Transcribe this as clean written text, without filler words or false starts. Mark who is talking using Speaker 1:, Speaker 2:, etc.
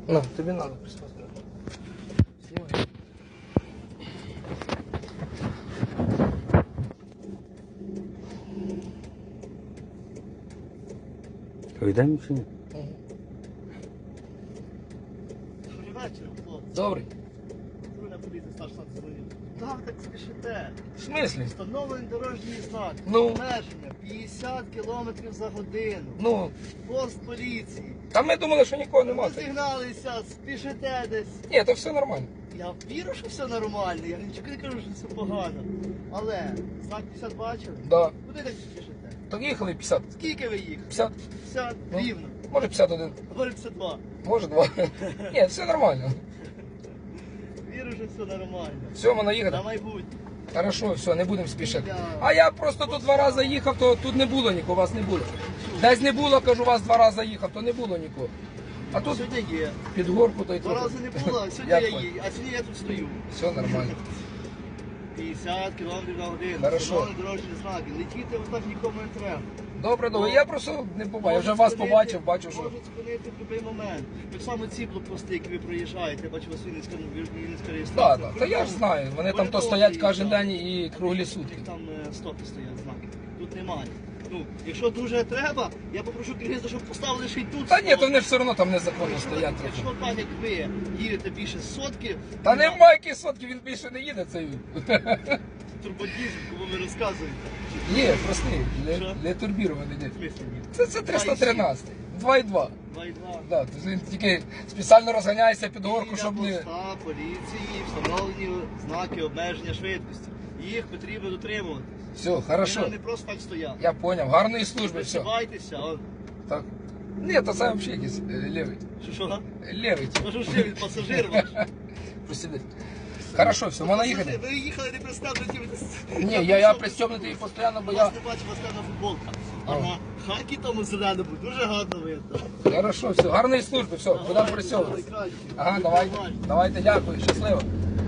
Speaker 1: На, тобі надо присмотрети. Знімай.
Speaker 2: Йдемо чи ні?
Speaker 3: Добрий вечір, хлопці.
Speaker 1: Добрий.
Speaker 3: Патрульна поліція, старший сам дзвонив. Так спішите.
Speaker 1: В смислі?
Speaker 3: Встановлений дорожній знак.
Speaker 1: Ну?
Speaker 3: Обмеження 50 км за годину.
Speaker 1: Ну,
Speaker 3: Пост поліції.
Speaker 1: та ми думали, що нікого
Speaker 3: Ви
Speaker 1: нема.
Speaker 3: зігналися, спішите десь.
Speaker 1: Ні, то все нормально.
Speaker 3: Я вірю, що все нормально, я нічого не кажу, що все погано. Але знак 50 бачили?
Speaker 1: Да.
Speaker 3: Куди так спішите?
Speaker 1: Так їхали 50.
Speaker 3: Скільки ви їхали?
Speaker 1: 50?
Speaker 3: 50
Speaker 1: Ну.
Speaker 3: рівно.
Speaker 1: Може 51.
Speaker 3: Говорю 52.
Speaker 1: Може 2. Ні, все нормально.
Speaker 3: Вірю, що все нормально.
Speaker 1: Все, можна їхати.
Speaker 3: На майбутнє.
Speaker 1: Хорошо, все, не будемо спішити. А я просто тут 2 рази їхав, то тут не було нікого, вас не було. Десь не було, кажу, вас 2 рази їхав, то не було нікого. А тут
Speaker 3: Сьогодні є.
Speaker 1: під горку, то й
Speaker 3: 2 рази не було, а сьогодні
Speaker 1: Я
Speaker 3: я
Speaker 1: понял.
Speaker 3: їду, а сьогодні я тут стою.
Speaker 1: Все нормально.
Speaker 3: 50 км на годину.
Speaker 1: Хорошо.
Speaker 3: Встановлені дорожні знаки. Летіти отак нікому не треба.
Speaker 1: Добре, добре. Я просто не буваю. Я вже вас побачив, бачив, що.
Speaker 3: Можуть спинити в будь-який момент. Так само ці блокпости, які ви проїжджаєте, я бачу, у вас Вінницька
Speaker 1: Так,
Speaker 3: реєстрація.
Speaker 1: так. Та я ж знаю. Вони там то стоять кожен день і круглі сутки.
Speaker 3: Там стопи стоять знаки. Тут немає. Ну, якщо дуже треба, я попрошу керівництва, щоб поставили ще й тут.
Speaker 1: Та ні, то
Speaker 3: стопи.
Speaker 1: вони все одно там незаконно стоять трохи.
Speaker 3: Якщо так, як ви їдете більше сотки,
Speaker 1: Та немає яких сотки, він більше не їде цей.
Speaker 3: турбодізель, кому ви розказуєте.
Speaker 1: Є, простий,
Speaker 3: Що?
Speaker 1: не турбірований. ні.
Speaker 3: В смислі ні?
Speaker 1: Це 313. 2,2.
Speaker 3: 2,2.
Speaker 1: Да, то він тільки спеціально розганяється під горку, щоб
Speaker 3: Біля
Speaker 1: не.
Speaker 3: поста поліції встановлені знаки обмеження швидкості. Їх потрібно дотримувати.
Speaker 1: Все, хорошо.
Speaker 3: Вони не просто так стоять.
Speaker 1: Я поняв. Гарної служби, все.
Speaker 3: Присипайтеся, а
Speaker 1: Так. Ні, то це взагалі якийсь левий.
Speaker 3: що?
Speaker 1: Левий.
Speaker 3: Може ще він пасажир ваш?
Speaker 1: Посиди. Хорошо, все, можна їхати?
Speaker 3: Ви їхали не пристебнуті.
Speaker 1: Ні, я пристебнутий постійно, бо я.
Speaker 3: Вас не бачу, вас на футболка. А на хакі тому зеленому дуже гарно видно.
Speaker 1: Хорошо, все, гарної служби, все, будемо присьовуватися. Ага, давайте, давайте, дякую, щасливо.